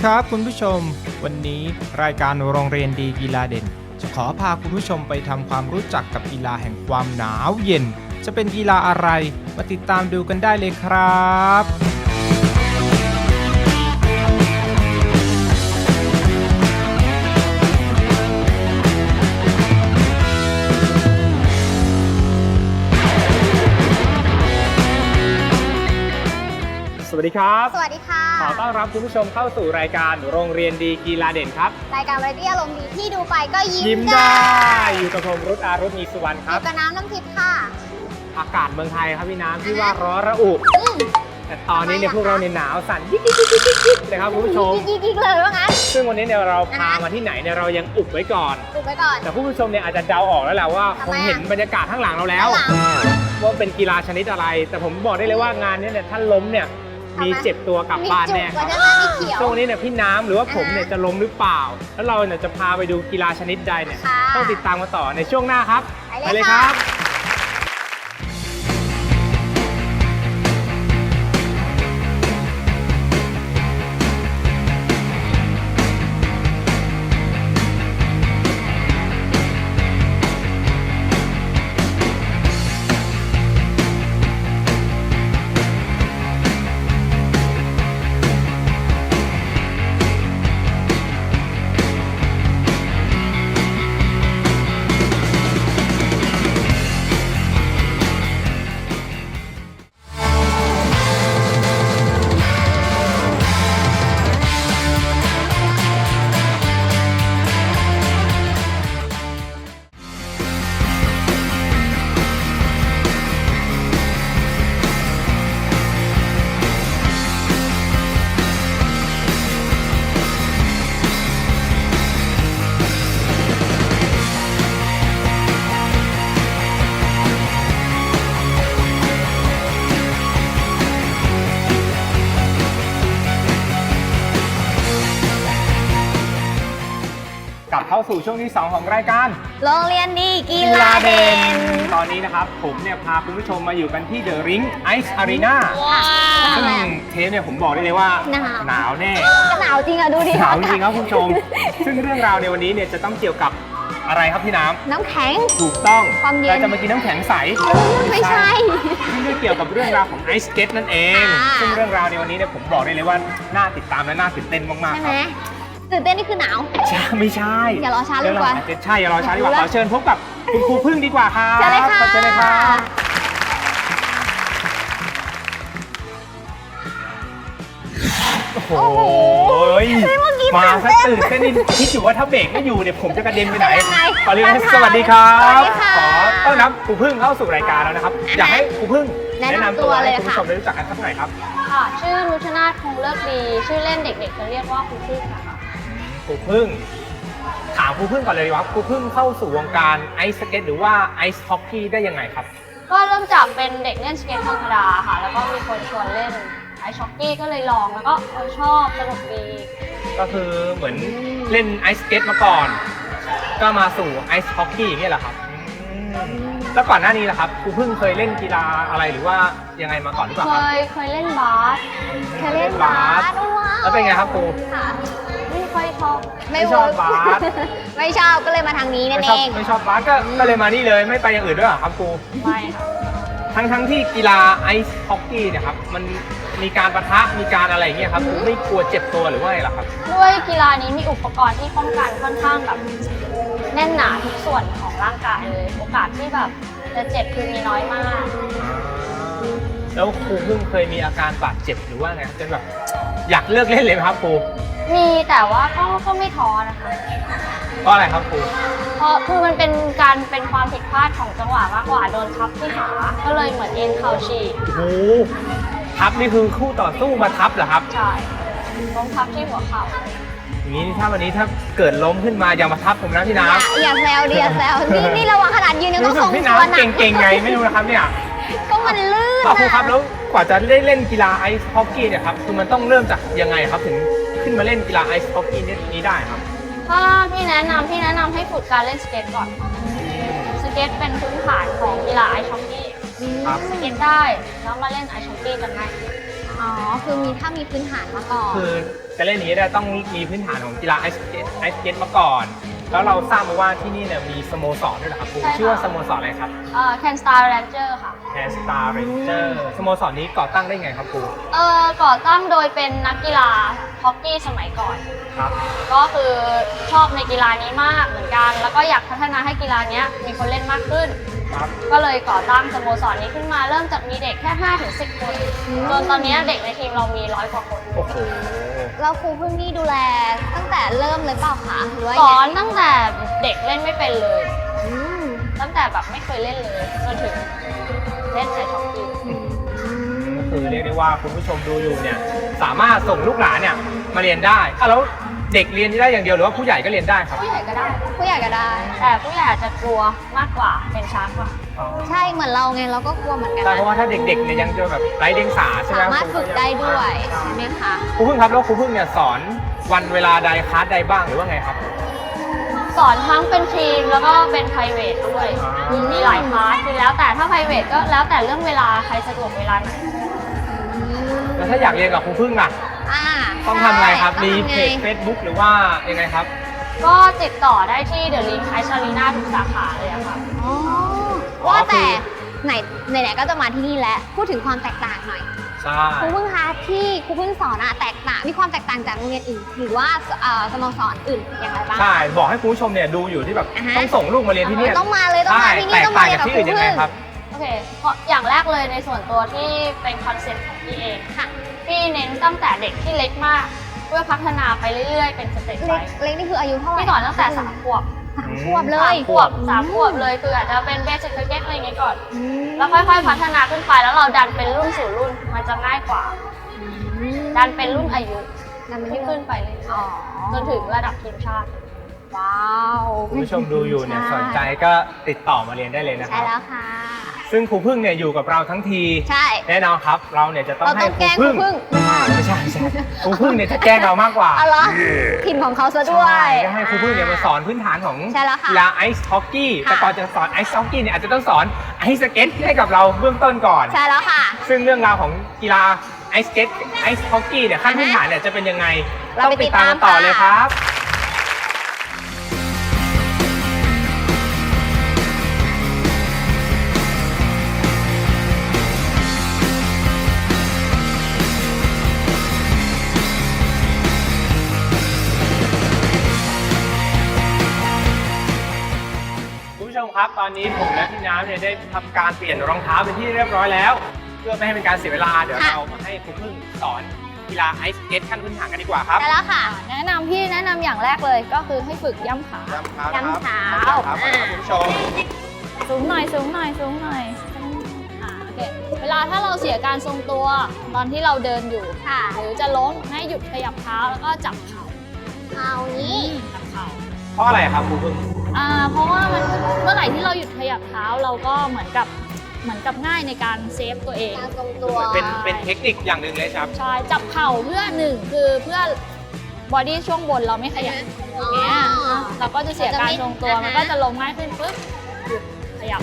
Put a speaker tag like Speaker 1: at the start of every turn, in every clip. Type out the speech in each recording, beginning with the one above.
Speaker 1: ครับคุณผู้ชมวันนี้รายการโรงเรียนดีกีฬาเด่นจะขอพาคุณผู้ชมไปทำความรู้จักกับกีฬาแห่งความหนาวเย็นจะเป็นกีฬาอะไรมาติดตามดูกันได้เลยครับสวัสดีครับ
Speaker 2: สวัสดีค่ะ
Speaker 1: ขอต้อนรับคุณผู้ชมเข้าสู่รายการโรงเรียนดีกีฬาเด่นครับ
Speaker 2: รายการวาไรตี้อารมณ์ดีที่ดูไปก็
Speaker 1: ยิ้มได้อยู่กับผมรุตอารุตมีสุวรรณครับ
Speaker 2: อยู่กับน้ำทิพย์ค่ะ
Speaker 1: อากาศเมืองไทยครับพี่น้ำที่ว่าร้อนระอุแต่ตอนนี้เนี่ยพวกเราเนี่ยหนาวสั่นยิกๆเลยครับคุณผู้ชม
Speaker 2: ยิกเลยว่างั้น
Speaker 1: ซึ่งวันนี้เนี่ยเราพามาที่ไหนเนี่ยเรายังอุบไว้ก่อนแต่ผู้ชมเนี่ยอาจจะเดาออกแล้วแหละว่าคงเห็นบรรยากาศข้างหลังเราแล้วว่าเป็นกีฬาชนิดอะไรแต่ผมบอกได้เลยว่างานนี้เนี่ยถ้าล้มเนี่ยมีเจ็บตัวกลับบ้านแน่ครับช่วงนี้เนี่ยพี่น้ำหรือว่าผมเนี่ยจะล้มหรือเปล่าแล้วเราเนี่ยจะพาไปดูกีฬาชนิดใดเนี่ยต้องติดตามมาต่อในช่วงหน้าครับไปเลยครับกลับเข้าสู่ช่วงที่ 2 ของรายการ
Speaker 2: โรงเรียนดีกีฬาเด่น
Speaker 1: ตอนนี้นะครับผมเนี่ยพาคุณผู้ชมมาอยู่กันที่ The Ring Ice Arena ซึ่งเทปเนี่ยผมบอกได้เลยว่าหนาวแน่
Speaker 2: หนาวจริงอะดูดิ
Speaker 1: หนาวจริงครับคุณผู้ชมซึ่งเรื่องราวในวันนี้เนี่ยจะต้องเกี่ยวกับอะไรครับพี่น้ำ
Speaker 2: น้ำแข็ง
Speaker 1: ถูกต้อง
Speaker 2: ความเย็น
Speaker 1: เราจะมากินน้ำแข็งใส
Speaker 2: ไม่ใช่
Speaker 1: ที่เกี่ยวกับเรื่องราวของไอซ์สเก็ตนั่นเองซึ่งเรื่องราวในวันนี้เนี่ยผมบอกได้เลยว่าน่าติดตามและน่าตื่นเต้นมากๆครับ
Speaker 2: ตื่นเต้นนี่คือหนาว
Speaker 1: ไม่ใช่
Speaker 2: อย่ารอช้าเลยดีกว่า
Speaker 1: ใช่อย่ารอช้าดีกว่าขอเชิญพบกับคุณครูพึ่งดีกว่าครับ
Speaker 2: เชิญเลยค่ะ
Speaker 1: เชิญเลยครับโอ้โหมาซะตื่นเต้นนี่คิดอยู่ว่าถ้าเบรกไม่อยู่เนี่ยผมจะกระเด็นไปไหนขอเรียนสวัสดีครับขอต้อนรับครูพึ่งเข้าสู่รายการแล้วนะครับอยากให้ครูพึ่งแนะนำตัวให้คุณผู้ชมได้รู้จักกันสักหน่อยครับ
Speaker 3: ค่ะชื่อนุชนาถคงเลิกดีชื่อเล่นเด็กๆจะเรียกว่าครูพึ่งค่ะ
Speaker 1: ครูพึ่งถามครูพึ่งก่อนเลยดีกว่าครูพึ่งเข้าสู่วงการไอซ์สเก็ตหรือว่าไอซ์ฮอกกี้ได้ยังไงครับ
Speaker 3: ก็เริ่มจากเป็นเด็กเล่นสเก็ตธรรมดาค่ะแล้วก็มีคนชวนเล่นไอซ์ฮอกกี้ก็เลยลองแล้วก็ชอบสนุกดี
Speaker 1: ก็คือเหมือนเล่นไอซ์สเก็ตมาก่อนก็มาสู่ไอซ์ฮอกกี้อย่างเงี้ยเหรอครับแล้วก่อนหน้านี้ล่ะครับครูพึ่งเคยเล่นกีฬาอะไรหรือว่ายังไงมาก่อนหรือเปล่าครับ
Speaker 3: เคยเล่นบาส
Speaker 1: แล้วเป็นไงครับครู
Speaker 3: ไม่ค่อยชอบ
Speaker 1: ไม่ชอบบาส
Speaker 2: ไม่ชอบก็เลยมาทางนี้นั่นเอง
Speaker 1: ไม่ชอบบาสก็เลยมานี่เลยไม่ไปอย่างอื่นด้วยหรอครับครู
Speaker 3: ไม่ค่ะ
Speaker 1: ทั้งที่กีฬาไอซ์ฮอกกี้เนี่ยครับมันมีการปะทะมีการอะไรอย่างเงี้ยครับไม่กลัวเจ็บตัวหรือว่าอะไรหรอครับ
Speaker 3: ด้วยกีฬานี้มีอุปกรณ์ที่ป้องกันค่อนข้างแบบแน่นหนาทุกส่วนของร่างกายเลยโอกาสที่แบบจะเจ็บคือมีน้อยมาก
Speaker 1: แล้วครูเพิ่งเคยมีอาการบาดเจ็บหรือว่าไงจนแบบอยากเลิกเล่นเลยไหมครับครู
Speaker 3: มีแต่ว่าก็ไม่ท้อนะคะ
Speaker 1: เพราะอะไรครับครู
Speaker 3: เพราะคือมันเป็นความผิดพลาดของจังหวะมากกว่าโดนทับที่ขาก็เลยเหมือนเอ็นเข่าฉีก
Speaker 1: โอ้ทับนี่คือคู่ต่อสู้มาทับเหรอครับ
Speaker 3: ใช่ล้มทับที่หัวเข่า
Speaker 1: อย่างนี้ถ้าวันนี้ถ้าเกิดล้มขึ้นมาอย่ามาทับผมนะพี่น้ำ
Speaker 2: อย่าแซวดิอย่าแซวนี่ระวังขนาดยืนยังต้องส่ง
Speaker 1: พี่น้ำเก่งๆไงไม่รู้นะครับเนี่ย
Speaker 2: ก็มันลื่น
Speaker 1: ครูครับแล้วกว่าจะได้เล่นกีฬาไอซ์ฮอกกี้เนี่ยครับคือมันต้องเริ่มจากยังไงครับถึงขึ้นมาเล่นกีฬาไอซ์ฮอกกี้นี้ได้ครับ
Speaker 3: ถ้าพี่แนะนำให้ฝึกการเล่นสเก็ตก่อนสเก็ตเป็นพื้นฐานของกีฬาไอซ์ฮอกกี้สเก็ตได้แล้วมาเล่นไอซ์ฮอกกี้กันได้
Speaker 2: อ๋อ คือถ้ามีพื้นฐานมาก่อน
Speaker 1: คือจะเล่นอย่างนี้ได้ต้องมีพื้นฐานของกีฬาไอสเก็ตมาก่อน แล้วเราทราบมาว่าที่นี่เนี่ยมีสโมสรด้วยเหรอครับครู
Speaker 3: ใช่ค่ะ
Speaker 1: ชื่อว่าสโมสรอะไรครับ
Speaker 3: Can Star Ranger ค่ะ
Speaker 1: แคนสตาร์เรนเจอร์สโมสรนี้ก่อตั้งได้ไงครับครู
Speaker 3: ก่อตั้งโดยเป็นนักกีฬาฮอกกี้สมัยก่อน
Speaker 1: ครับ
Speaker 3: ก็คือชอบในกีฬานี้มากเหมือนกัน แล้วก็อยากพัฒนาให้กีฬานี้มีคนเล่นมากขึ้น
Speaker 1: ครับ
Speaker 3: ก็เลยก่อตั้งสโมสรนี้ขึ้นมาเริ่มจากมีเด็กแค่ 5-10 คนจนตอนนี้เด็กในทีมเรามี100 กว่าคน
Speaker 1: โอ้โห
Speaker 2: แล้วครูเพิ่งนี่ดูแลตั้งแต่เริ่มเลยเปล่าคะหรือว่า
Speaker 3: ส
Speaker 2: ยัง
Speaker 3: อ
Speaker 2: ไง
Speaker 3: นตั้งแต่เด็กเล่นไม่เป็นเลย
Speaker 2: อืม
Speaker 3: ตั้งแต่แบบไม่เคยเล่นเลยจนถึงเล่นไอช็อกกี้
Speaker 1: ก็คือเรียกได้ว่าคุณผู้ชมดูอยู่เนี่ยสามารถส่งลูกหลานเนี่ยมาเรียนได้แล้วเด็กเรียนได้อย่างเดียวหรือว่าผู้ใหญ่ก็เรียนได้ครับ
Speaker 3: ผู้ใหญ่ก็ได้
Speaker 2: ผู้ใหญ่ก็ได้
Speaker 3: แต่ผู้ใหญ่อาจจะกลัวมากกว่าเป็นช้ากว่า
Speaker 2: ใช่เหมือนเราไงเราก็กลัวเหมือนกัน
Speaker 1: ใช่
Speaker 2: นะ
Speaker 1: เพราะว่าถ้าเด็กๆเนี่ยยังจะแบบไร้เดียงสาใช่ไหม
Speaker 2: สามารถฝึกได้ด้วยใช่ไหมคะ
Speaker 1: ครูพึ่งครับแล้วครูพึ่งเนี่ยสอนวันเวลาใดคลาสใดบ้างหรือว่าไงครับ
Speaker 3: สอนทั้งเป็นทีมแล้วก็เป็น private ด้วย มีหลายคลาสคือแล้วแต่ถ้า private ก็แล้วแต่เรื่องเวลาใครสะดวกเวลาไหน
Speaker 1: แล้วถ้าอยากเรียนกับครูพึ่งล่ะ
Speaker 2: อ่า
Speaker 1: ต้องทำไงครับ
Speaker 2: ใช่
Speaker 1: มี
Speaker 2: ต้องทำ
Speaker 1: เพ
Speaker 2: ไง
Speaker 1: จ Facebook หรือว่ายังไงครับ
Speaker 3: ก็ติดต่อได้ที่ The Link Ice Arena ทุกสาขาเลยอะค่ะ
Speaker 2: อ๋อว่าแต่ไหนๆก็จะมาที่นี่แล้วพูดถึงความแตกต่างหน่อย
Speaker 1: ใช่
Speaker 2: ครูพึ่งคะที่ครูพึ่งสอนอะแตกต่างมีความแตกต่างจากโรงเรียนอื่นหรือว่าสโมสรอื่นอย่างไรบ้าง
Speaker 1: ใช่บอกให้คุณผู้ชมเนี่ยดูอยู่ที่แบบ
Speaker 2: อ่าฮะ
Speaker 1: ต้องส่งลูกมาเรียนที่เนี่ย
Speaker 2: ต้องมาเลยต้องมาที่นี่
Speaker 1: แตก
Speaker 2: ต้อง
Speaker 1: ต่า
Speaker 2: มาง เรีย
Speaker 1: จาก
Speaker 2: นกับ
Speaker 1: ที่
Speaker 2: ครู
Speaker 1: อื่นยังไง
Speaker 2: พึ่ง
Speaker 1: ครับ
Speaker 3: โอเคเพราะอย่างแรกเลยในส่วนตัวที่เป็นคอนเซ็ปต์ของพี่เอง
Speaker 2: ค่ะ
Speaker 3: พี่เน้นตั้งแต่เด็กที่เล็กมาก เพื่อพัฒนาไปเรื่อยๆ เป็นสเต็ปไป
Speaker 2: เล็กนี่คืออายุเท่าไหร่
Speaker 3: พี่สอนตั้งแต่3 ขวบ
Speaker 2: 3 ขวบเลย
Speaker 3: 3 ขวบ 3 ขวบเลยคืออาจจะเป็นเบสิกคริกเก็ตอะไรอย่างเงี้ยก่อน
Speaker 2: อืม
Speaker 3: แล้วค่อยๆพัฒนาขึ้นไปแล้วเราดันเป็นรุ่นสู่รุ่นมันจะง่ายกว่า ดันเป็นรุ่นอายุ
Speaker 2: ดันเป็น
Speaker 3: ที่
Speaker 2: ที่
Speaker 3: ขึ้นไปเรื่อย
Speaker 2: อ๋อ
Speaker 3: ๆจนถึงระดับทีมชาติ
Speaker 2: ว้าว
Speaker 1: คุณผู้ชมดูอยู่เนี่ยสนใจก็ติดต่อมาเรียนได้เลยนะค
Speaker 2: ใช่
Speaker 1: รับ
Speaker 2: แล้วค่ะ
Speaker 1: ซึ่งครูพึ่งเนี่ยอยู่กับเราทั้งที
Speaker 2: ใช่
Speaker 1: แน่นอนครับเราเนี่ยจะต้อง
Speaker 2: เรา
Speaker 1: ให้
Speaker 2: ต้อง
Speaker 1: ค
Speaker 2: แก
Speaker 1: รู
Speaker 2: ล้งครู
Speaker 1: พึ่ง
Speaker 2: พึ่งไม่ใช่
Speaker 1: ไม่ใช่ครูพึ่งเนี่ยจะแกล้งเรามากกว่า
Speaker 2: เอาเหรอทีมของเขาซะด้วย
Speaker 1: ใช่ก็ให้ครูพึ่งเนี่ยมาสอนพื้นฐานของ
Speaker 2: ใช่แล้วค่ะ
Speaker 1: กีฬาไอซ์ฮอกกี้
Speaker 2: ค่ะ
Speaker 1: แต่ก่อนจะสอนไอซ์ฮอกกี้เนี่ยอาจจะต้องสอนไอซ์สเก็ตให้กับเราเบื้องต้นก่อน
Speaker 2: ใช่แล้วค่ะ
Speaker 1: ซึ่งเรื่องราวของกีฬาไอซ์สเก็ตไอซ์ฮอกกี้เนี่ยขั้นพื้นฐานเนี่ยจะเป็นยังไง
Speaker 2: เรา
Speaker 1: ต้อง
Speaker 2: ไป
Speaker 1: ติดตามกันต่อ
Speaker 2: ติดตาม
Speaker 1: เลยครับ คุณผู้ชมครับตอนนี้ผมและพี่น้ำเนี่ยได้ทำการเปลี่ยนรองเท้าเป็นที่เรียบร้อยแล้ว เพื่อไม่ให้เป็นการเสียเวลาเดี๋ยว
Speaker 2: ค่ะ
Speaker 1: เรามาให้ครูพึ่งสอนกีฬาไอซ์สเก็ตขั้นพื้นฐานกันดีกว่าครับ
Speaker 2: ใช่แล้วค่ะ
Speaker 3: แนะนำอย่างแรกเลยก็คือให้ฝึกย่ำขา
Speaker 1: ย้ำเท้า
Speaker 2: ย้ำเท้า
Speaker 1: ครับคุณผู้ชม
Speaker 3: สูงหน่อยโอเคเวลาถ้าเราเสียการทรงตัวตอนที่เราเดินอยู่
Speaker 2: ค่ะ
Speaker 3: หรือจะล้มให้หยุดขยับเท้าแล้วก็จับเข่า
Speaker 2: เอานี้
Speaker 3: จับเข่า
Speaker 1: เพราะอะไรครับครูพึ่ง
Speaker 3: เพราะว่ามันเมื่อไหร่ที่เราหยุดขยับเท้าเราก็เหมือนกับง่ายในการเซฟตัวเอง
Speaker 2: การทรงตัว
Speaker 1: เป็นเทคนิคอย่างหนึ่งเลยครับ
Speaker 3: ใช่จับเข่าเพื่อหนึ่งคือเพื่อบอดี้ช่วงบนเราไม่ขยับอย่างเงี้ยเราก็จะเสียการทรงตัวมันก็จะลงง่ายขึ้นปุ๊บหยุดขยับ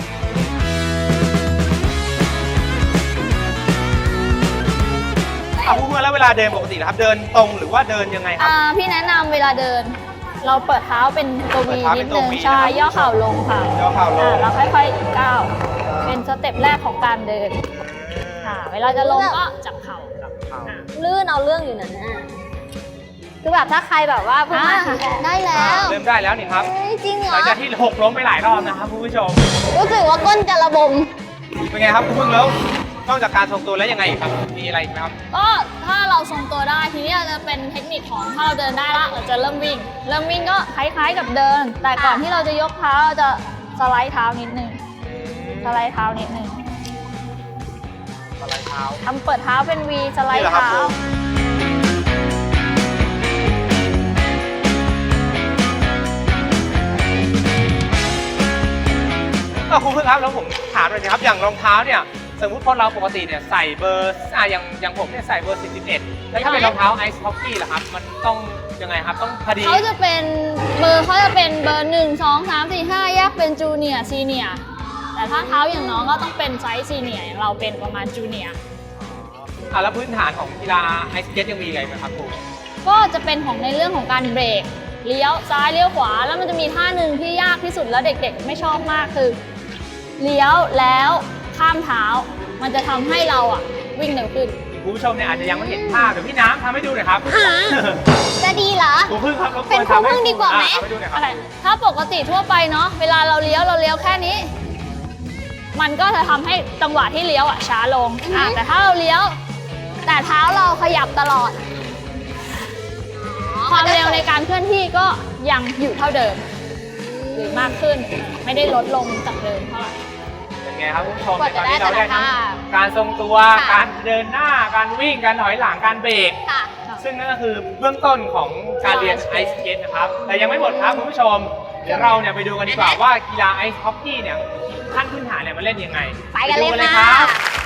Speaker 1: ครูพึ่งแล้วเวลาเดินปกตินะครับ เดินตรงหรือว่าเดินยังไงครับ
Speaker 3: พี่แนะนำเวลาเดิน เราเปิดเท้าเป็นตัว
Speaker 1: เปิ
Speaker 3: วี
Speaker 1: ดเท้าเป็
Speaker 3: นิ
Speaker 1: น
Speaker 3: ด
Speaker 1: ตัว
Speaker 3: นึง
Speaker 1: V
Speaker 3: ใช่
Speaker 1: นะครับ
Speaker 3: ย่อเข่าลงค่ะ
Speaker 1: ย่อเข่าลง
Speaker 3: แล้วค่อยๆก้าวเป็นสเต็ปแรกของการเดินค่ะเวลาจะลงก็จับเข่า
Speaker 2: ลื่นเอาเรื่องอยู่นั่นน่ะคือแบบถ้าใครแบบว่าเพิ่งมาได้แล้ว
Speaker 1: เริ่มได้แล้วนี่ครับ
Speaker 2: เฮ้ยจริงเหร
Speaker 1: หลั
Speaker 2: อง
Speaker 1: จากที่หกล้มไปหลายรอบนะครับคุณผู้ชม
Speaker 2: รู้สึกว่าก้นจะระบม
Speaker 1: เป็นไงครับครูพึ่งแล้วนอกจากการทรงตัวแล้วยังไงอีกครับ มีอะไรอีกไหมครับ
Speaker 3: ก็ถ้าเราทรงตัวได้ทีนี้จะเป็นเทคนิคของถ้าเราเดินได้ละเราจะเริ่มวิ่งก็คล้ายๆกับเดิน แต่ก่อนที่เราจะยกเท้าเราจะสไลด์เท้านิดนึงสไลด์เท้านิดนึง
Speaker 1: สไลด์เท้า
Speaker 3: ทำเปิดเท้าเป็น V สไล
Speaker 1: นี่
Speaker 3: ด์
Speaker 1: เหรอครับ
Speaker 3: เท้า
Speaker 1: ครูพึ่งครับแล้วผมถามเลยนะครับอย่างรองเท้าเนี่ยสมมุติคนเราปกติเนี่ยใส่เบอร์อย่างผมเนี่ยใส่เบอร์41แล้วถ้าเป็นรองเท้าไอซ์ฮอกกี้ล่ะครับมันต้องยังไงครับต้องพอดี
Speaker 3: เขาจะเป็นเบอร์1 2 3 4 5แยกเป็นจูเนียร์ซีเนียร์แต่ถ้าเท้าอย่างน้องก็ต้องเป็นไซส์ซีเนียร์อย่างเราเป็นประมาณจูเนียร์
Speaker 1: แล้วพื้นฐานของกีฬาไอสเก็ตยังมีอะไรไหมครับครู
Speaker 3: ก็จะเป็นของในเรื่องของการเบรกเลี้ยวซ้ายเลี้ยวขวาแล้วมันจะมีท่าหนึ่งที่ยากที่สุดแล้วเด็กๆไม่ชอบมากคือเลี้ยวแล้วข้ามเท้ามันจะทำให้เราวิ่งเร็วขึ้น
Speaker 1: คุณผู้ชมเนี่ยอาจจะยังไม่เห็นภาพเดี๋ยวพี่น้ำทำให้ดูหน่อยครับ
Speaker 2: จะดีเหรอ
Speaker 1: ครูพึ่งครับรบก
Speaker 2: เป็น
Speaker 1: วน
Speaker 2: ครู
Speaker 1: ทำให้
Speaker 2: พึ่งดีกว่าไหม
Speaker 1: ทำให้ดูหน่อยครับ
Speaker 3: อะไรถ้าปกติทั่วไปเนาะเวลาเราเลี้ยวแค่นี้ มันก็จะทำให้จังหวะที่เลี้ยวช้าลงแต่ถ้าเราเลี้ยวแต่เท้าเราขยับตลอด ความเร็วในการเคลื่อนที่ก็ยังอยู่เท่าเดิมหรือมากขึ้นไม่ได้ลดลงจากเดิมเท่าไหร่
Speaker 1: เป็นไงครับคุณผู้ชม
Speaker 2: กว่า
Speaker 1: ต
Speaker 2: จะ
Speaker 1: อนนี้เราได้ทั้ง
Speaker 2: ได้แต่ละท่า
Speaker 1: การทรงตัว
Speaker 2: ค่ะ
Speaker 1: การเดินหน้าการวิ่งการถอยหลังการเบรก
Speaker 2: ค่ะ
Speaker 1: ซึ่งนั่นก็คือเบื้องต้นของการเรียนไอซ์สเก็ตนะครับแต่ยังไม่หมดครับคุณผู้ชมเดี๋ยวเราเนี่ยไปดูกันดีกว่าว่ากีฬาไอซ์ฮอกกี้เนี่ยขั้นพื้นฐานเนี่ยมันเล่นยังไง
Speaker 2: ไปกันเลย
Speaker 1: ดู
Speaker 2: ค่ะ
Speaker 1: ครับ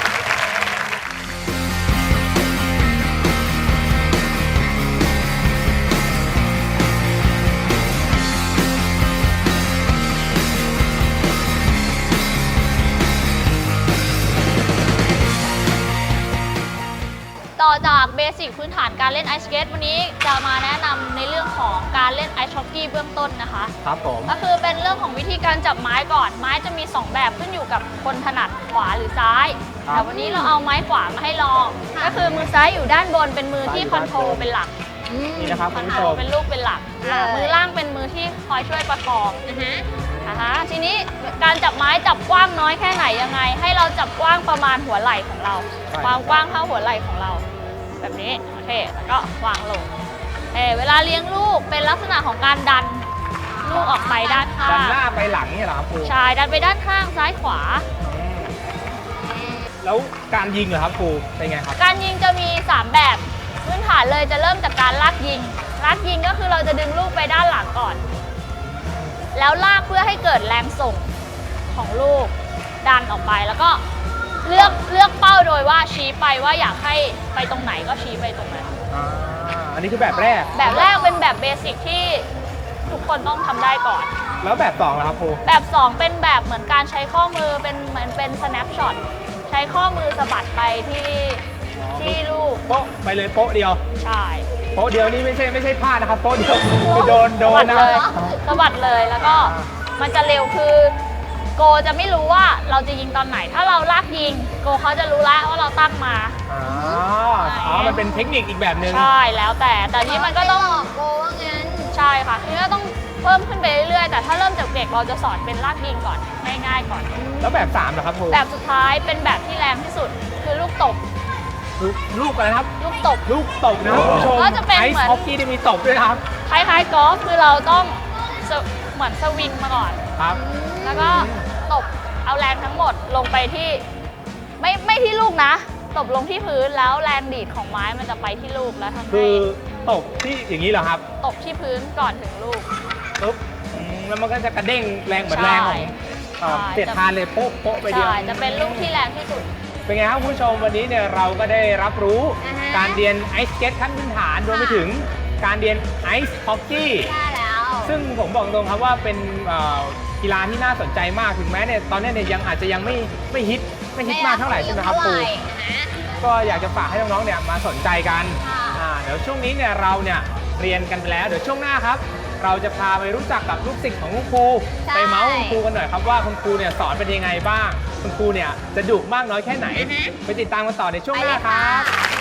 Speaker 3: ต่อจากเบสิกพื้นฐานการเล่นไอซ์สเก็ตวันนี้จะมาแนะนำในเรื่องของการเล่นไอซ์ฮอกกี้เบื้องต้นนะคะ
Speaker 1: ครับผม
Speaker 3: ก็คือเป็นเรื่องของวิธีการจับไม้ก่อน ไม้จะมี 2 แบบขึ้นอยู่กับคนถนัดขวาหรือซ้าย แต่วันนี้เราเอาไม้ขวามาให้ลอง ก็คือมือซ้ายอยู่ด้านบนเป็นมือที่คอนโทรลเป็นหลัก
Speaker 1: นี่นะครับ
Speaker 3: ค
Speaker 1: คุ
Speaker 3: อน
Speaker 1: ณ
Speaker 3: โท
Speaker 1: ผู้
Speaker 3: ร
Speaker 1: ช
Speaker 3: ล
Speaker 1: ม
Speaker 3: เป็นลูกเป็นหลักมือล่างเป็นมือที่คอยช่วยประคองทีนี้การจับไม้จับกว้างน้อยแค่ไหนยังไง ให้เราจับกว้างประมาณหัวไหล่ของเรา ความกว้างเท่าหัวไหล่ของเรา แบบนี้โอเคแล้วก็วางลงเวลาเลี้ยงลูกเป็นลักษณะของการดันลูกออกไปด้านข้า
Speaker 1: ดัน
Speaker 3: ง
Speaker 1: หน้าไปหลังเนี่ยเหรอครับครู
Speaker 3: ใช่ดันไปด้านข้างซ้ายขวา
Speaker 1: แล้วการยิงเหรอครับครูเป็นไงครับ
Speaker 3: การยิงจะมี 3 แบบพื้นฐานเลยจะเริ่มจากการลากยิงก็คือเราจะดึงลูกไปด้านหลังก่อน แล้วลากเพื่อให้เกิดแรงส่งของลูกดันออกไปแล้วก็เลือกเป้าโดยว่าชี้ไปว่าอยากให้ไปตรงไหนก็ชี้ไปตรงนั้น
Speaker 1: อันนี้คือแบบแรก
Speaker 3: แบบแรกเป็นแบบเบสิกที่ทุกคนต้องทำได้ก่อน
Speaker 1: แล้วแบบสองเหรอครับครู
Speaker 3: แบบ 2 เป็นแบบเหมือนการใช้ข้อมือเป็นเหมือนเป็น snapshot ใช้ข้อมือสะบัดไปที่ลูก
Speaker 1: โป๊ะไปเลยโป๊ะเดียว
Speaker 3: ใช่
Speaker 1: โป๊ะเดียวนี่ไม่ใช่พลาดนะครับโป๊ะเดียวคือโดน
Speaker 3: สะบัด
Speaker 1: นะ
Speaker 3: เลยสะบัดเลยแล้วก็มันจะเร็วคือโกจะไม่รู้ว่าเราจะยิงตอนไหน ถ้าเราลากยิงโกเขาจะรู้แล้วว่าเราตั้งมา
Speaker 1: มันเป็นเทคนิคอีกแบบหนึ่ง
Speaker 3: ใช่แล้วแต่นี้มันก็ต้อง
Speaker 2: โกว่างั้น
Speaker 3: ใช่ค่ะทีนี้ก็ต้องเพิ่มขึ้นไปเรื่อยๆแต่ถ้าเริ่มจากเด็กเราจะสอนเป็นลากยิงก่อนง่ายๆก่อน
Speaker 1: แล้วแบบ3เหรอครับครู
Speaker 3: แบบสุดท้ายเป็นแบบที่แรงที่สุดคือลูกตบ
Speaker 1: ลูกอะไรนะครับ
Speaker 3: ลูกตบ
Speaker 1: ลูกตบนะครับคุณผู้ชม
Speaker 3: ก็จะเป็น
Speaker 1: ไอ
Speaker 3: เหมือน
Speaker 1: ซ์ฮอกกี้ได้มีตบด้วยนะครับ
Speaker 3: คล้ายๆกอล์ฟคือเราต้องเหมือนสวิงมาก่อน
Speaker 1: ครับ
Speaker 3: แล้วก็ตบเอาแรงทั้งหมดลงไปที่ไม่ที่ลูกนะ ตบลงที่พื้นแล้วแรงดีดของไม้มันจะไปที่ลูกแล้วทำ
Speaker 1: คื
Speaker 3: ให้
Speaker 1: อตบที่อย่างนี้เหรอครับ
Speaker 3: ตบที่พื้นก่อนถึงลูก
Speaker 1: ปุ๊บแล้วมันก็จะกระเด้งแรงเหมือนแรงของ
Speaker 3: ใช่
Speaker 1: เสียดทานเลยโป๊ะโป๊ะไปเดียว
Speaker 3: ใช่จะเป็นลูกที่แรงที่สุด
Speaker 1: เป็นไงครับคุณผู้ชมวันนี้เนี่ยเราก็ได้รับรู้
Speaker 2: อ่าฮะ
Speaker 1: การเรียนไอซ์สเก็ตขั้นพื้นฐานรวมไปถึงการเรียนไอซ์ฮอกกี้
Speaker 2: ได้แล้ว
Speaker 1: ซึ่งผมบอกตรงครับว่าเป็นกีฬาที่น่าสนใจมากถึงแม้เนี่ยตอนนี้เนี่ยยังอาจจะยังไม่ฮิตมากเท่าไหร่ใช่ไหมครับครูก็อยากจะฝากให้น้องๆเนี่ยมาสนใจกัน เดี๋ยวช่วงนี้เนี่ยเราเนี่ยเรียนกันไปแล้วเดี๋ยวช่วงหน้าครับ เราจะพาไปรู้จักกับลูกศิษย์ของคุณครู
Speaker 2: ใช่
Speaker 1: ไปเมาส์คุณครูกันหน่อยครับว่าคุณครูเนี่ยสอนเป็นยังไงบ้างคุณครูเนี่ยจะดุมากน้อยแค่ไหน ไปติดตามกันต่อในช่วงหน้าครับ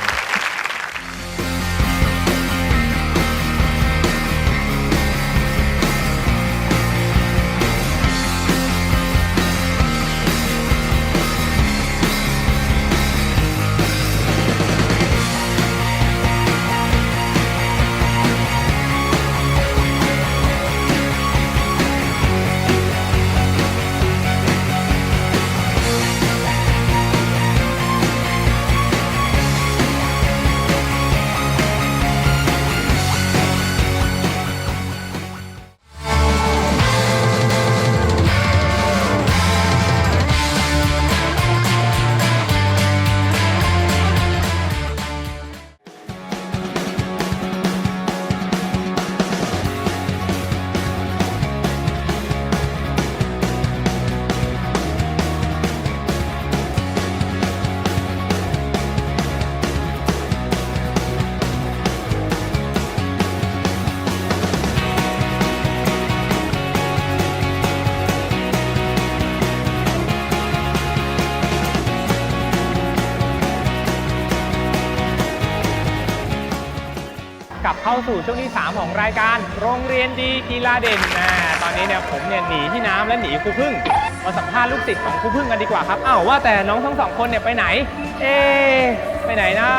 Speaker 1: กลับเข้าสู่ช่วงที่ 3 ของรายการโรงเรียนดีกีฬาเด่นตอนนี้เนี่ยผมเนี่ยหนีที่น้ำและหนีครูพึ่งมาสัมภาษณ์ลูกศิษย์ของครูพึ่งกันดีกว่าครับอ้าวว่าแต่น้องทั้งสองคนเนี่ยไปไหนไปไหนนะ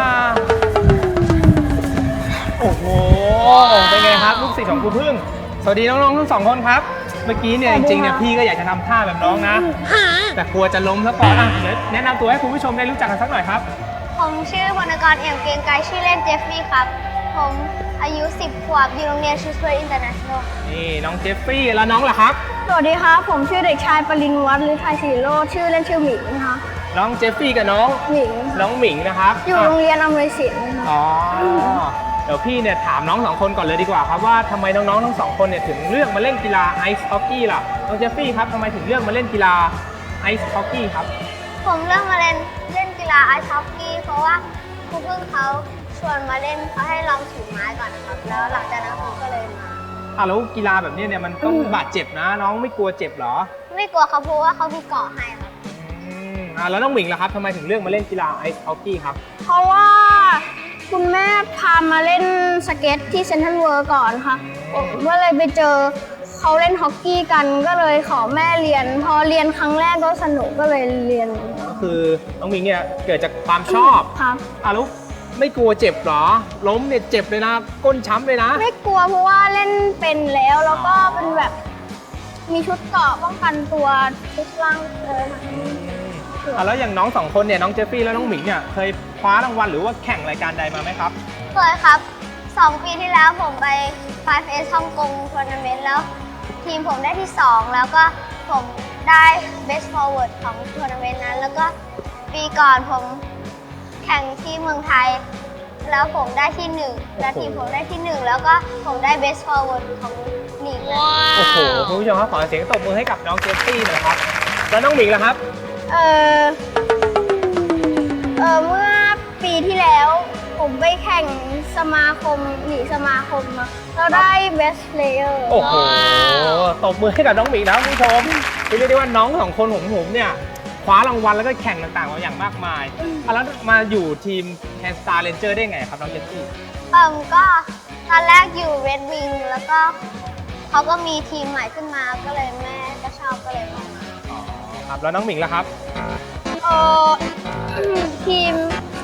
Speaker 1: โอ้โหเป็นไงครับลูกศิษย์ของครูพึ่งสวัสดีน้องๆทั้งสองคนครับเมื่อกี้เนี่ยจริงๆเนี่ยพี่ก็อยากจะทำท่าแบบน้องนะแต่กลัวจะล้มซะก่อนเดี๋ยวแนะนำตัวให้คุณผู้ชมได้รู้จักกันสักหน่อยครับ
Speaker 2: ผมชื่อวรรณกรเอี่ยมเกรียงไกรชื่อเล่นเจฟฟี่ครับผมอายุ10 ขวบอยู่โรงเรียนชูสเปอร์อินเตอร์เนชั่นแนล
Speaker 1: นี่น้องเจฟฟี่แล้วน้องล่ะครับ
Speaker 4: สวัสดีครับผมชื่อเด็กชายปริญวัฒน์ฤทัยศรีโรจน์ชื่อเล่นชื่อหมิงนะคะ
Speaker 1: น้องเจฟฟี่กับน้อง
Speaker 4: หมิง
Speaker 1: น้องหมิงนะครับ
Speaker 4: อยู่โรงเรียนอำนวยศิลป์
Speaker 1: อ๋อเดี๋ยวพี่เนี่ยถามน้องสองคนก่อนเลยดีกว่าครับว่าทำไมน้องๆทั้งสองคนเนี่ยถึงเลือกมาเล่นกีฬาไอซ์ฮอกกี้ล่ะน้องเจฟฟี่ครับทำไมถึงเลือกมาเล่นกีฬาไอซ์ฮอกกี้ครับ
Speaker 2: ผมเลือกมาเล่นกีฬาไอซ์ฮอกกี้เพราะว่าครูพึ่งเขาชวนมาเล่นเขาให้ลองถือไม้ก่อนนะครับแล้วหลังจากนั้นผมก็เลยมา
Speaker 1: แล้วกีฬาแบบนี้เนี่ยมันต้องบาดเจ็บนะน้องไม่กลัวเจ็บหรอ
Speaker 2: ไม่กลัวครับเพราะว่าเขามีเกาะให้ครับ
Speaker 1: แล้วน้องหมิงล่ะครับทำไมถึงเลือกมาเล่นกีฬาไอซ์ฮอกกี้ครับ
Speaker 4: เพราะว่าคุณแม่พามาเล่นสเก็ตที่เซ็นทรัลเวิลด์ก่อนค่ะผมก็เลยไปเจอเขาเล่นฮอกกี้กันก็เลยขอแม่เรียนพอเรียนครั้งแรกก็สนุกก็เลยเรียน
Speaker 1: ก็คือน้องหมิงเนี่ยเกิดจากความชอบ
Speaker 4: ครับ
Speaker 1: แล้วไม่กลัวเจ็บหรอล้มเนี่ยเจ็บเลยนะก้นช้ำเลยนะ
Speaker 4: ไม่กลัวเพราะว่าเล่นเป็นแล้วก็เป็นแบบมีชุดเกราะป้องกันตัวทุกร่างเลย
Speaker 1: แล้วอย่างน้องสองคนเนี่ยน้องเจฟฟี่แล้วน้องหมิงเนี่ยเคยคว้ารางวัลหรือว่าแข่งรายการใดมาไหมครับ
Speaker 2: เคยครับ2 ปีที่แล้วผมไป 5S ฮ่องกงทัวร์นาเมนต์แล้วทีมผมได้ที่2แล้วก็ผมได้ Best Forward ของทัวร์นาเมนต์นั้นแล้วก็ปีก่อนผมแข่งที่เมืองไทยแล้วผมได้ที่1และทีมผมได้ที่1แล้วก็ผมได้ Best Forward ของหนิง
Speaker 1: โอ้โหคุณผู้ชมครับขอเสียงตบมือให้กับน้องเจฟฟี่หน่อยครับแล้วน้องหมิงล่ะครับ
Speaker 4: เมื่อปีที่แล้วผมไปแข่งสมาคมหนีสมาคมมาเราได้ Best Player
Speaker 1: โอ้โหตบมือให้กับน้องหมิงนะคุณผู้ชมเรียกได้ว่าน้องสองคนของผมเนี่ยคว้ารางวัลแล้วก็แข่งต่างๆมาอย่างมากมายแล้วมาอยู่ทีม Hand Star Ranger ได้ไงครับน้องเจฟฟี่
Speaker 2: ก็ตอนแรกอยู่ Red Wing แล้วก็เขาก็มีทีมใหม่ขึ้นมาก็เลยแม่ก็ชอบก็เลยมา
Speaker 1: ครับแล้วน้องหมิงล่ะครับ
Speaker 4: ทีม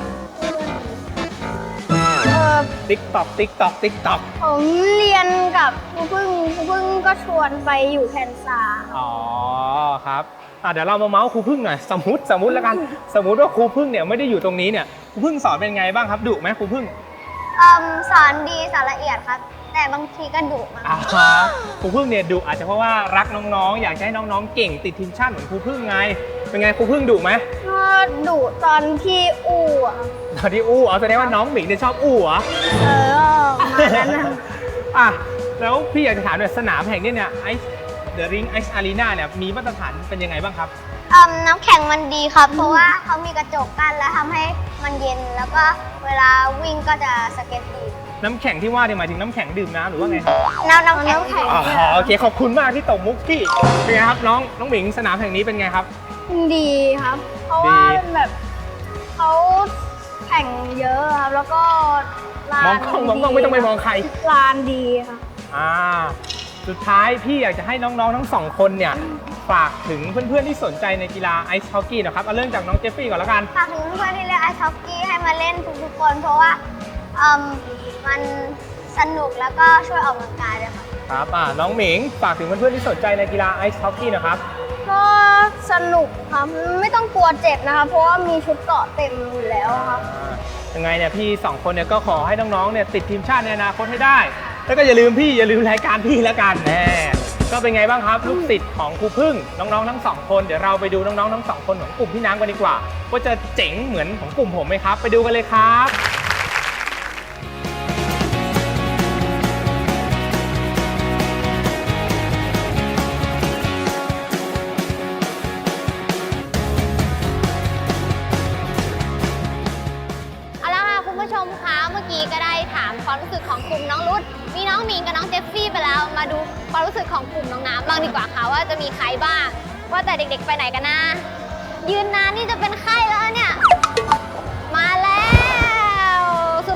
Speaker 1: ติ๊กต็อก
Speaker 4: ผมเรียนกับครูพึ่งก็ชวนไปอยู่แคนซา
Speaker 1: ครับเดี๋ยวเรามาเมาส์ครูพึ่งหน่อยสมมติแล้วกันสมมติว่าครูพึ่งเนี่ยไม่ได้อยู่ตรงนี้เนี่ยครูพึ่งสอนเป็นไงบ้างครับดุไหมครูพึ่ง
Speaker 2: สอนดีสอนละเอียดครับแต่บางทีก็ดุมาก
Speaker 1: ครูพึ่งเนี่ยดุอาจจะเพราะว่ารักน้องๆอยากให้น้องๆเก่งติดทีมชาติเหมือนครูพึ่งไงเป็นไงครูพึ่งดุไหม
Speaker 4: ก็ดุตอนที่อู้
Speaker 1: ตอนที่อู้แสดงว่าน้องหมิงเนี่ยชอบอู้เหรอ
Speaker 4: มานั้นนะ
Speaker 1: แล้วพี่อยากจะถามหน่อยสนามแห่งนี้เนี่ยThe Ring Ice Arena เนี่ยมีมาตรฐานเป็นยังไงบ้างครับ
Speaker 2: น้ำแข็งมันดีครับเพราะว่าเขามีกระจกกั้นแล้วทำให้มันเย็นแล้วก็เวลาวิ่งก็จะสเก็ตดี
Speaker 1: น้ำแข็งที่ว่าเนี่ยหมายถึงน้ำแข็งดื่มน้ำหรือว่าไง
Speaker 2: น้ำแข็ง
Speaker 1: โอเคขอบคุณมากที่ตบมุกพี่เป็นไงครับน้องหมิงสนามแห่งนี้เป็นไงครับ
Speaker 4: ดีครับเพราะว่าแบบเขาแข่งเยอะครับแล้วก็
Speaker 1: มองกล้องไม่ต้องไปมองใคร
Speaker 4: ลานดีค่ะ
Speaker 1: สุดท้ายพี่อยากจะให้น้องๆทั้งสองคนเนี่ยฝากถึงเพื่อนๆที่สนใจในกีฬาไอซ์ฮอกกี้นะครับเอาเริ่มจากน้องเจฟฟี่ก่อนแล้วกัน
Speaker 2: ฝากถึงเพื่อนๆที่เล่นไอซ์ฮอกกี้ให้มาเล่นทุกๆคนเพราะว่ามันสนุกแล้วก็ช่วยออกกำลังกายด้วย
Speaker 1: ครับน้องหมิงฝากถึงเพื่อนๆที่สนใจในกีฬาไอซ์ฮอกกี้นะครับ
Speaker 4: ก็สนุกครับไม่ต้องกลัวเจ็บนะคะเพราะว่ามีชุดเกราะเต็มอยู่แล้วครับ
Speaker 1: ยังไงเนี่ยพี่2คนเนี่ยก็ขอให้น้องๆเนี่ยติดทีมชาติในอนาคตให้ได้แล้วก็อย่าลืมรายการพี่แล้วกันก็เป็นไงบ้างครับลูกศิษย์ของครูพึ่งน้องๆทั้ง2คนเดี๋ยวเราไปดูน้องๆทั้ง2คนของกลุ่มพี่น้ำกันดีกว่าว่าจะเจ๋งเหมือนของกลุ่มผมไหมครับไปดูกันเลยครับ
Speaker 2: ก็ได้ถามความรู้สึกของกลุ่มน้องรุดมีน้องหมิงกับน้องเจฟฟี่ไปแล้วมาดูความรู้สึกของกลุ่มน้องน้ำบ้างดีกว่าค่ะว่าจะมีใครบ้างว่าแต่เด็กๆไปไหนกันนะยืนนานนี่จะเป็นไข้แล้วเนี่ยมาแล้วสุดหล่อ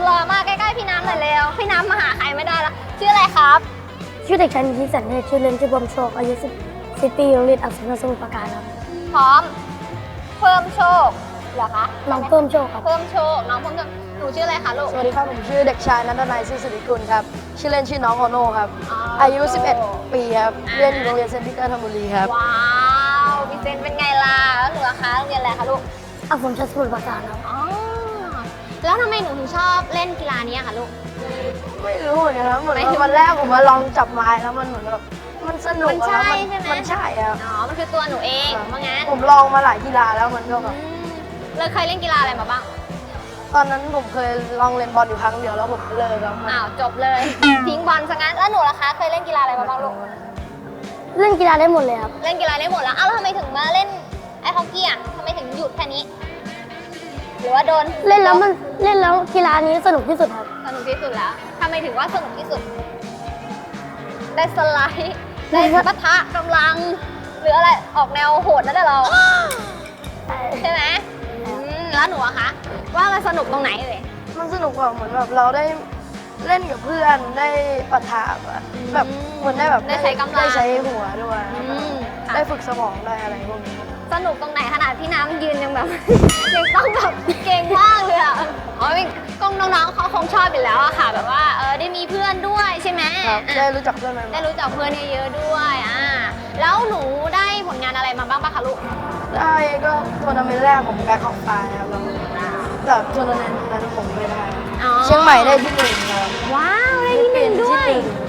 Speaker 3: รอมากใกล้ๆพี่น้ำหน่อยเร็วพี่น้ำมาหาใครไม่ได้แล้วชื่ออะไรครับ
Speaker 4: ชื่อเด็กชายนิติสันเทศชื่อเล่นชื่อบอมโชคอายุ10 ปีโรงเรียนอักษรสมุทรปราการครับ
Speaker 3: พร้อมเพิ่มโชคเหรอคะ
Speaker 4: น้องเพิ่มโชคครับ
Speaker 3: เพิ่มโชคน้องเพิ่มโชคหนูชื่ออะไรคะลูก
Speaker 5: สวัสดีครับ ผมชื่อเด็กชายนันทนายซื่อสิริกุลครับ ชื่อเล่นชื่อน้องโอโน่ครับ อายุ 11 ปีครับ เรียนอยู่โรงเรียนเซนต์ปีเตอร์ธนบุรีครับ
Speaker 3: ว้าวพี่เซนเป็นไงล่ะแล้วหนูล่ะคะโรงเรียนอะไรคะลูก
Speaker 4: อักษรสมุทรปราการครับ
Speaker 3: อ๋อแล้วทำไมหนูถึงชอบเล่นกีฬานี้อะคะลูก
Speaker 5: ไม่รู้เหมือนกันครับเหมือน
Speaker 3: ไม่รู้
Speaker 5: ว่าวันแรกผมมาลองจับไม้แล้วมันเหมือนแบบมันสนุก
Speaker 3: มันใช่
Speaker 5: อะ
Speaker 3: ใช่ไหม
Speaker 5: มันใช่ครับ
Speaker 3: อ๋อมันคือตัวหนูเองว่างั้น
Speaker 5: ผมลองมาหลายกีฬาแล้วมันก็แบบ
Speaker 3: เลยเคยเล่นกีฬาอะไรมาบ้าง
Speaker 5: ตอนนั้นผมเคยลองเล่นบอลอยู่ครั้งเดียวแล้วผมก็เลิกครับ
Speaker 3: อ้าวจบเลย ทิ้งบอลซะงั้นแล้วหนูล่ะคะเคยเล่นกีฬาอะไรมาบ้างลูก
Speaker 4: เล่นกีฬาได้หมดเลยครับ
Speaker 3: เล่นกีฬาได้หมดแล้วอ้าวแล้วทำไมถึงมาเล่นไอฮอกกี้อ่ะทำไมถึงหยุดแค่นี้ หรือว่าโดน
Speaker 4: เล่นแล้วกีฬานี้สนุกที่สุดครับ
Speaker 3: สนุกที่สุดแล้วทำไมถึงว่าสนุกที่สุด ได้สไลด์ได้ปะทะกำลัง หรืออะไรออกแนวโหดนั่นแหละเรา ใช่ไหมแล้วหนูอะคะว่ามันสนุกตรงไหนเลย
Speaker 5: มันสนุกกว่าเหมือนแบบเราได้เล่นกับเพื่อนได้ปะทะอะแบบเหมือนได้แบบ
Speaker 3: ได้ใช้กำลัง
Speaker 5: ได้ใช้หัวด้วย
Speaker 3: ค่ะ
Speaker 5: ได้ฝึกสมองได้อะไรพวกนี้
Speaker 3: สนุกตรงไหนขนาดพี่น้ำยืนยังแบบ ยังต้องแบบเก่งมากเลยอ่ะอ๋อกองน้องๆเขาคงชอบอยู่แล้วอะค่ะ แบบว่าได้มีเพื่อนด้วยใช่ไหม
Speaker 5: ครับ
Speaker 3: อ่ะ
Speaker 5: ได้รู้จักเพื่อนใหม่
Speaker 3: ได้รู้จักเพื่อนเยอะๆด้วยแล้วหนูได้ผลงานอะไรมาบ้างปะคะลูก
Speaker 5: ๆได้ก็ทัวร์นาเมนต์แรกผมแบ็คของปลายครับแล้วแต่ทัวร์นาเมนต์นั้นผมไม่ได้
Speaker 3: อ๋อ
Speaker 5: เชียงใหม่ได้ที่หนึ่งครับ
Speaker 3: ว้าวได้ที่หนึ่งด้วย
Speaker 5: ที่หนึ่ง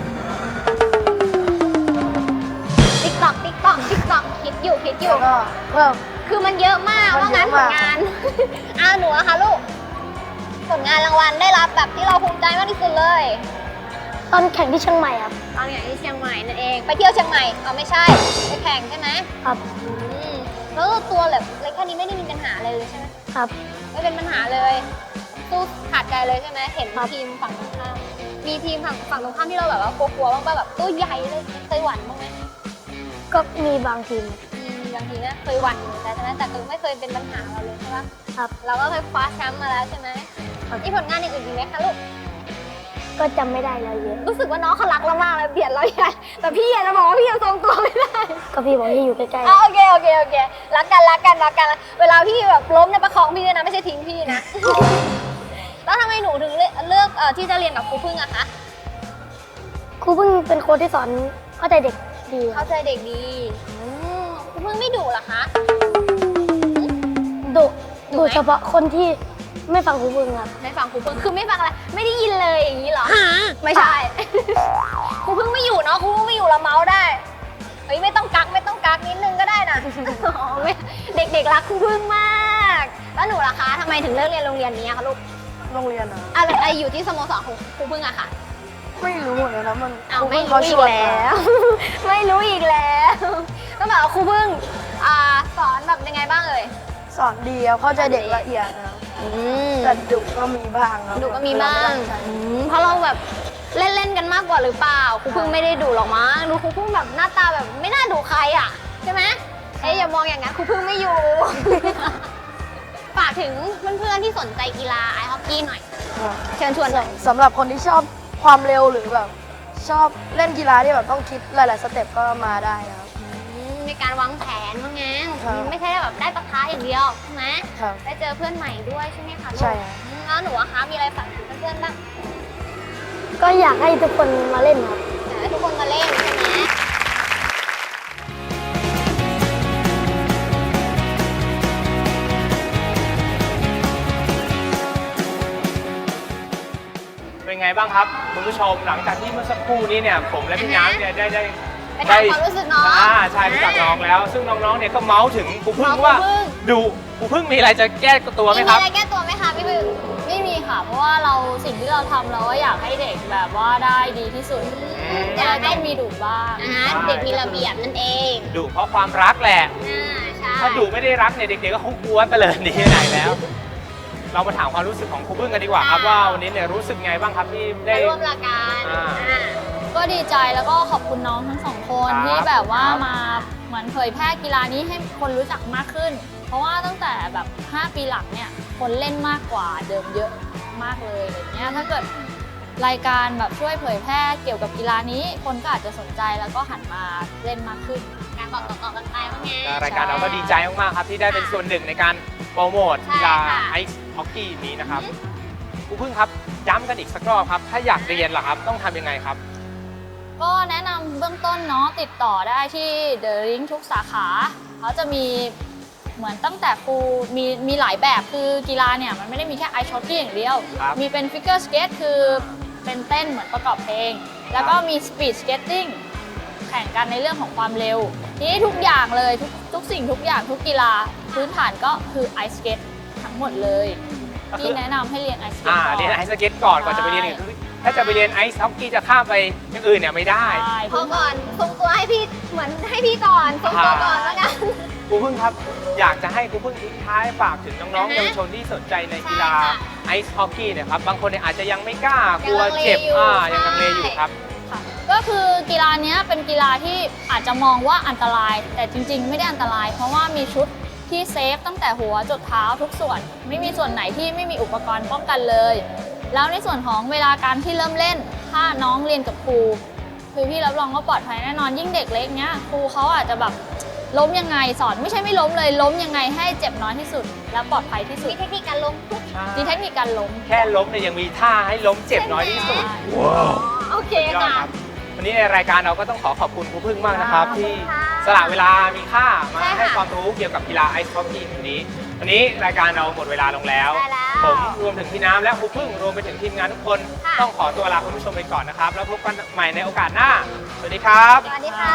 Speaker 3: ติ๊กตอกคิดอยู่
Speaker 5: แล้วก็เพิ่ม
Speaker 3: คือมันเยอะมาก
Speaker 5: มัน
Speaker 3: ว่างั้น
Speaker 5: เย
Speaker 3: ผ
Speaker 5: อะ
Speaker 3: ล
Speaker 5: มาก
Speaker 3: งาน หนูอะคะลูก ผลงานรางวัลได้รับแบบที่เราภูมิใจมากที่สุดเลย
Speaker 4: ตอนแข่งที่เชียงใหม่ครับ
Speaker 3: ตอนอย่างที่เชียงใหม่นั่นเอง ไปเที่ยวเชียงใหม่ไม่ใช่ ไปแข่งใช่ไหม
Speaker 4: ครับ
Speaker 3: แล้วตัวแบบเล็กแค่นี้ไม่ได้มีปัญหาอะไรเลยใช่ไหม
Speaker 4: ครับ
Speaker 3: ไม่เป็นปัญหาเลยสู้ขาดใจเลยใช่ไหมเห็น
Speaker 4: ครับ
Speaker 3: ทีมฝั่งตรงข้ามมีทีมฝั่งตรงข้ามที่เราแบบว่ากลัวๆบ้างป่ะแบบตัวใหญ่เลยเคยหวั่นบ้างไหม
Speaker 4: ก็มีบางทีม
Speaker 3: บางทีนะเคยหวั่นอยู่แต่นั้นแต่คือไม่เคยเป็นปัญหาเราเลยใช่ปะ
Speaker 4: ครับ
Speaker 3: เราก็เคยคว้าแชมป์มาแล้วใช่ไหม
Speaker 4: ครับ
Speaker 3: มีผลงานอย่างอื่นอีกไหมคะลูก
Speaker 4: ก็จำไม่ได้แล้วเยอะ
Speaker 3: รู้สึกว่าน้องเขารักเรามากเลยเบียดเราใหญ่แต่พี่อยากจะบอกว่าพี่ยังทรงตัวไม่ได้
Speaker 4: ก็พี่บอกที่อยู่ใกล้
Speaker 3: โอเครักกันเวลาพี่แบบล้มเนี่ยประคองพี่ด้วยนะไม่ใช่ทิ้งพี่นะ แล้วทำไมหนูถึงเลือกที่จะเรียนกับครูพึ่งอะคะ
Speaker 4: ๆครูเพิ่งเป็นโค้ชที่สอนเข้าใจเด็กดีครั
Speaker 3: เข้า
Speaker 4: บ
Speaker 3: ใจเด็กดีครูพึ่งไม่ดุเหรอคะ
Speaker 4: ดุ
Speaker 3: ดุไหม
Speaker 4: เฉพาะคนที่ไม่ฟังครูเพิ่งครับ
Speaker 3: ไม่ฟังครูพึ่งคือไม่ฟังอะไรไม่ได้ยินเลยอย่างนี้เหรอไม่ใช่ ครูพึ่งไม่อยู่เนาะครูพึ่งไม่อยู่เราเมาส์ได้เฮ้ยไม่ต้องกักนิดนึงก็ได้นะ อ๋อไม่เด็กๆรักครูพึ่งมากแล้วหนูล่ะคะทำไมถึงเลือกเรียนโรงเรียนนี้อะคะลูก
Speaker 5: โรงเรียนอะ
Speaker 3: อะไรอยู่ที่สโมสรของครูพึ่งอะค่ะ
Speaker 5: ไม่รู้เลยนะมัน
Speaker 3: เอา
Speaker 5: ครู
Speaker 3: ไม่
Speaker 5: เพิ่ง
Speaker 3: รู้
Speaker 5: เขา
Speaker 3: อี
Speaker 5: ช
Speaker 3: ก
Speaker 5: วน
Speaker 3: แล้ว ไม่รู้อีกแล้วต้องบอกว่าครูพึ่งสอนแบบยังไงบ้างเอ่ย
Speaker 5: สอนดีครับเข้าใจเด็กละเอียดนะครับแต่ดุก็มีบ้างครับ
Speaker 3: ดุก็มีบ้าง
Speaker 5: เรไม่ตั้ใจ
Speaker 3: เพราะเราแบบเล่นกันมากกว่าหรือเปล่าครูพึ่งไม่ได้ดุหรอกมั้งดูครูพึ่งแบบหน้าตาแบบไม่น่าดุใครอ่ะใช่ไหมอย่ามองอย่างนั้นครูพึ่งไม่อยู่ ฝากถึงเพื่อนๆที่สนใจกีฬาไอซ์ฮอกกี้หน่อย
Speaker 5: ครับ
Speaker 3: เชิญชวนหน่อย
Speaker 5: สำหรับคนที่ชอบความเร็วหรือแบบชอบเล่นกีฬาที่แบบต้องคิดหลาย ๆ สเต็ปก็มาได้นะครับ
Speaker 3: ในการวางแผนว่างั้น
Speaker 5: ครับ
Speaker 3: ไม่ใช่แบบได้ปะทะอย่างเดียวใช่ไหม
Speaker 5: ครับ
Speaker 3: ได้เจอเพื่อนใหม่ด้วยใช่ไหมคะลูก
Speaker 5: ใช่ครับ
Speaker 3: แล้วหนูอะคะมีอะไรฝากถึงเพื่อนๆบ้าง
Speaker 4: ก็อยากให้ทุกคนมาเล่นครับ
Speaker 3: อยากให้ทุกคนมาเล่นใช่ไหม
Speaker 1: เป็นไงบ้างครับคุณผู้ชมหลังจากที่เมื่อสักครู่นี้เนี่ยผมและพี่น้ำเนี่ยได้
Speaker 3: ไปถามความรู้สึกน้อง
Speaker 1: ใช่รู้จักน้องแล้ว ซึ่งน้องๆเนี่ยก็เมาส์ถึงครูพึ่ง
Speaker 3: เมาส์
Speaker 1: ว่า
Speaker 3: ครูพึ่ง
Speaker 1: ดูครูพึ่งมีอะไรจะแก้ตัวไหม
Speaker 3: มี
Speaker 1: ครับ
Speaker 3: อะไรแก้ตัวไหมคะพี่พึ่ง
Speaker 6: ไม่มีค่ะ เพราะว่าเราสิ่งที่เราทำเราก็อยากให้เด็กแบบว่าได้ดีที่สุด
Speaker 3: อยากให้
Speaker 6: ต้องมีดุบ้าง
Speaker 3: เด็กมีระเบียบนั่นเอง
Speaker 1: ดุเพราะความรักแหละ
Speaker 3: ใช่
Speaker 1: ถ้าดุไม่ได้รักเนี่ยเด็กๆก็คงกลัวไปเลยหนีไปไหนแล้ว เรามาถามความรู้สึกของครูพึ่งกันดีกว่าครับว่าวันนี้เนี่ยรู้สึกไงบ้างครับที่ได้
Speaker 3: ได้ร่วมรายการ
Speaker 6: ก็ดีใจแล้วก็ขอบคุณน้องทั้งสองคน
Speaker 1: ครับ
Speaker 6: ที่แบบว่า
Speaker 1: ครับ
Speaker 6: มาเหมือนเผยแพร่กีฬานี้ให้คนรู้จักมากขึ้น เพราะว่าตั้งแต่แบบ5 ปีหลังเนี่ยคนเล่นมากกว่าเดิมเยอะ
Speaker 3: มากๆเลยอะไรเงี้ยถ้าเกิดรายการแบบช่วยเผยแพร่เกี่ยวกับกีฬานี้คนก็อาจจะสนใจแล้วก็หันมาเล่นมากขึ้น
Speaker 2: การบอกต่อๆกันไปว่าไง
Speaker 1: รายการเราก็ดีใจมากๆครับที่ได้เป็นส่วนหนึ่งในการโปรโมทกีฬาไอซ์ฮอกกี้นี้นะครับครูพึ่งครับย้ำกันอีกสักรอบครับถ้าอยากเรียนล่ะครับต้องทำยังไงครับ
Speaker 3: ก็แนะนำเบื้องต้นเนาะติดต่อได้ที่ The Ring ทุกสาขาเขาจะมีเหมือนตั้งแต่ครูมีหลายแบบคือกีฬาเนี่ยมันไม่ได้มีแค่ไอซ์ฮอกกี้อย่างเดียว
Speaker 1: ครับ
Speaker 3: มีเป็นฟิกเกอร์สเกตคือเป็นเต้นเหมือนประกอบเพลง แล้วก็มีสปีดสเกตติ้งแข่งกันในเรื่องของความเร็วทีนี้ทุกอย่างเลยทุกสิ่งทุกอย่างทุกกีฬาพื้นฐานก็คือไอซ์สเกตทั้งหมดเลยที่แนะนำให้เรียนไอซ์สเกตก่อน
Speaker 1: เรียนไอซ์สเก็ตก่อนจะไปเรียนอื่นถ้าจะไปเรียนไอซ์ฮอกกี้จะข้ามไปอย่างอื่นเนี่ยไม่ได้
Speaker 3: ใช่
Speaker 2: พอก่อนทรงตัวให้พี่เหมือนให้พี่ก่อนทรงตัวก่อนแล้วกัน
Speaker 1: ครูพึ่งครับอยากจะให้ครูพึ่งทิ้งท้ายฝากถึงน้องๆเยาวชนที่สนใจในกีฬา
Speaker 2: ใช่ค่ะ
Speaker 1: ไอซ์ฮอกกี้เนี่ยครับบางคนเนี่ยอาจจะยังไม่กล้ากลัว
Speaker 2: ยังลังเล
Speaker 1: เจ็บ
Speaker 2: อยู่
Speaker 1: ยังลังเลอยู่
Speaker 2: ใช่
Speaker 1: ครับ
Speaker 3: ค่ะก็คือกีฬาเนี้ยเป็นกีฬาที่อาจจะมองว่าอันตราย แต่จริงๆ ไม่ได้อันตราย เพราะว่ามีชุดที่เซฟตั้งแต่หัวจดเท้าทุกส่วน ไม่มีส่วนไหนที่ไม่มีอุปกรณ์ป้องกันเลย แล้วในส่วนของเวลาการที่เริ่มเล่น ถ้าน้องเรียนกับครูคือพี่รับรองว่าปลอดภัยแน่นอนยิ่งเด็กเล็กเนี้ยครูเขาอาจจะแบบล้มยังไงสอนไม่ใช่ไม่ล้มเลยล้มยังไงให้เจ็บน้อยที่สุด และปลอดภัยที่สุด
Speaker 2: มีเทคนิคการลงทุก
Speaker 3: มีเทคนิคการล้ม
Speaker 1: แค่ล้มเนี่ยยังมีท่าให้ล้มเจ็บน้อยที่สุด
Speaker 2: โอเค
Speaker 1: ยอด
Speaker 2: ค่ะ
Speaker 1: ครับวันนี้ในรายการเราก็ต้องขอบคุณครูพึ่งมากนะครับ
Speaker 2: ขอบคุณ
Speaker 1: ที่
Speaker 2: ค่ะ
Speaker 1: สละเวลามีค่ามา
Speaker 2: ใช่ค่ะ
Speaker 1: ให้ความรู้เกี่ยวกับกีฬาไอซ์ฮอกกี้วันนี้รายการเราหมดเวลาลงแล้ว
Speaker 2: ได้แล้ว
Speaker 1: ผมรวมถึงพี่น้ำและครูพึ่งรวมไปถึงทีมงานทุกคน
Speaker 2: ค่ะ
Speaker 1: ต้องขอตัวลาคุณผู้ชมไปก่อนนะครับ แล้วพบกันใหม่ในโอกาสหน้า สวัสดีครับ
Speaker 2: สวัสดีค่ะ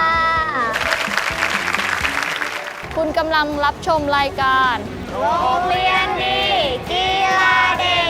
Speaker 3: คุณกำลังรับชมรายการ
Speaker 2: โรงเรียนดีกีฬาเด็ก